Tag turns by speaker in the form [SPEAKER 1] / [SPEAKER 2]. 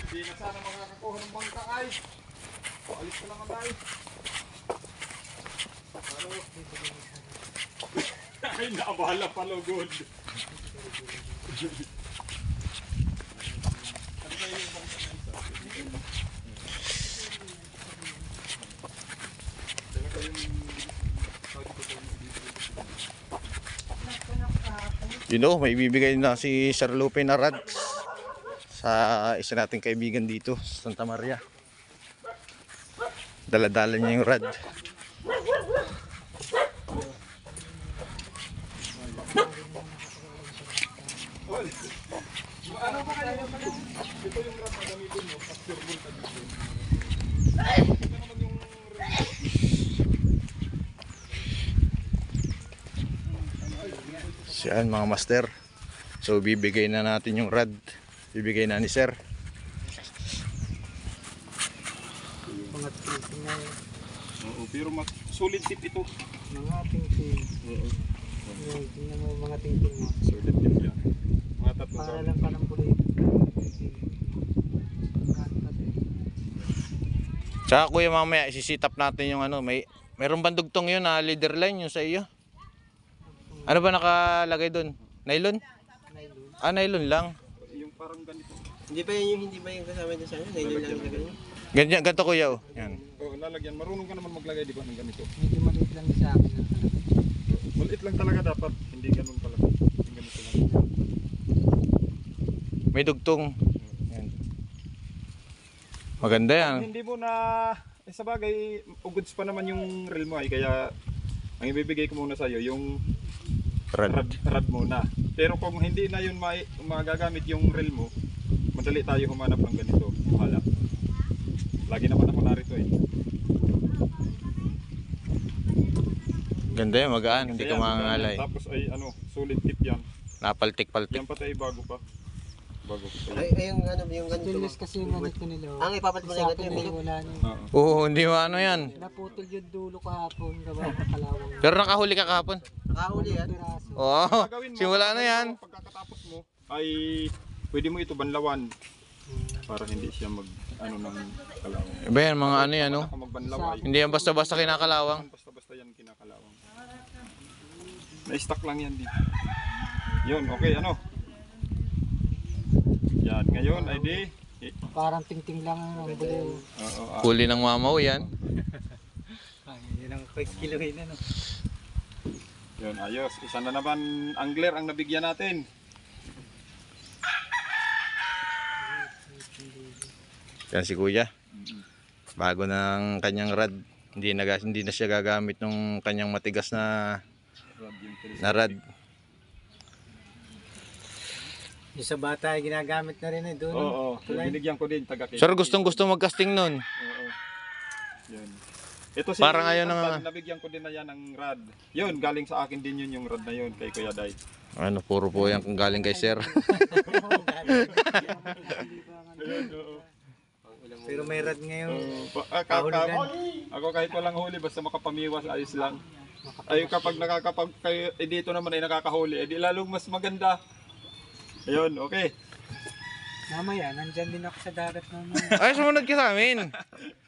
[SPEAKER 1] Hindi na sana makakakuha ng bangka ay. Alis ka lang ay. Ay, naabala pa lugod.
[SPEAKER 2] You know, may bibigay na si Sir Lupe na rad sa isa nating kaibigan dito sa Santa Maria. Dala-dala niya yung rad.
[SPEAKER 1] Ano ba kayo? Ito yung rad na gamitin mo. Pag-turbol ka dito.
[SPEAKER 2] Siyan mga master. So bibigay na natin yung rad. Bibigay na ni Sir.
[SPEAKER 3] Mga tingting na yun.
[SPEAKER 1] Oo, pero solid tip ito.
[SPEAKER 3] Mga tingting.
[SPEAKER 1] Oo.
[SPEAKER 3] Yun, tingnan mo mga tingting mo.
[SPEAKER 1] Solid tip yan. Mga tatlong
[SPEAKER 3] Para
[SPEAKER 1] sabi.
[SPEAKER 3] lang palang bulit.
[SPEAKER 2] Tsaka kuya mamaya isisitap natin yung ano. Mayroong bandugtong yun na leader line yung sa iyo. Ano ba nakalagay doon? Nylon? Ah, nylon lang.
[SPEAKER 1] Yung parang ganito.
[SPEAKER 4] Hindi ba yun kasama niya sa akin? Nailan lang na ganyan.
[SPEAKER 2] Ganyan, ganito kuya oh. Yan.
[SPEAKER 1] Oo, lalagyan. Marunong ka naman maglagay, di ba, ng ganito.
[SPEAKER 3] Medyo maliit lang sa akin.
[SPEAKER 1] Maliit lang talaga dapat. Hindi ganun talaga. Yung ganito lang.
[SPEAKER 2] May dugtong. Yan. Maganda yan.
[SPEAKER 1] Hindi mo na, sa bagay, ugods pa naman yung reel mo ay. Kaya, ang ibibigay ko muna sa'yo, yung rad muna. Pero kung hindi na yun magagamit yung reel mo, madali tayo humanap ng ganito. Hala. Lagi naman ako narito eh.
[SPEAKER 2] Ganda yan, magaan. Hindi ka
[SPEAKER 1] Kaya,
[SPEAKER 2] mangangalay.
[SPEAKER 1] tapos ay ano, solid tip yan.
[SPEAKER 2] Napaltik-paltik.
[SPEAKER 1] Yan pati ay bago pa. Bago pa pa yan.
[SPEAKER 4] Ay, yung ano, yung ganito.
[SPEAKER 3] Stainless kasi yung ganito nila.
[SPEAKER 4] Ang ipapat mo na yung ganito, yung
[SPEAKER 3] wala na.
[SPEAKER 1] Oo.
[SPEAKER 2] Oo, hindi mo ano yan.
[SPEAKER 3] Naputol yung dulo kahapon. Gawa ng kalawang.
[SPEAKER 2] Pero nakahuli ka kahapon.
[SPEAKER 4] nakahuli yan.
[SPEAKER 3] Piraso.
[SPEAKER 2] Oo,
[SPEAKER 1] Gagawin mo,
[SPEAKER 2] simula na yan.
[SPEAKER 1] Pagkatapos mo ay pwede mo ito banlawan para hindi siya mag ano ng kalawang.
[SPEAKER 2] Iba yan, mga ano yan, no?
[SPEAKER 1] Baka magbanlaw ay
[SPEAKER 2] Hindi yan basta-basta kinakalawang.
[SPEAKER 1] basta-basta yan kinakalawang. Na-stock lang yan din. Yun, okay, ano? Yan, ngayon ay di.
[SPEAKER 3] Parang tingting lang ang bulit.
[SPEAKER 1] Oo,
[SPEAKER 2] Huli ng mamaw yan.
[SPEAKER 3] Yan ang quick kilohin na no.
[SPEAKER 1] yun, ayos. Isa na naman angler ang nabigyan natin.
[SPEAKER 2] Yan si kuya. Bago ng kanyang rad. Hindi na siya gagamit ng kanyang matigas na rad.
[SPEAKER 3] Yung sa bata ay ginagamit na rin eh doon.
[SPEAKER 1] Oo, binigyan ko din taga
[SPEAKER 2] Sir, gustong-gusto mag-casting nun.
[SPEAKER 1] Oo. Yun. Ito si
[SPEAKER 2] Parang ayaw
[SPEAKER 1] Tatan, nabigyan ko din na yan ng rad. Yun, galing sa akin din yun yung rad na yun kay Kuya Day.
[SPEAKER 2] Ano, puro po yan kung galing kay Sir.
[SPEAKER 3] Pero may rad ngayon.
[SPEAKER 1] Ako kahit walang huli basta makapamiwas ayos lang. Ay kapag kayo dito naman ay nakakahuli, edi lalong mas maganda. Ayun, okay.
[SPEAKER 3] Mamaya, nandyan din ako sa dagat naman.
[SPEAKER 2] Ay, sumunod ka sa amin.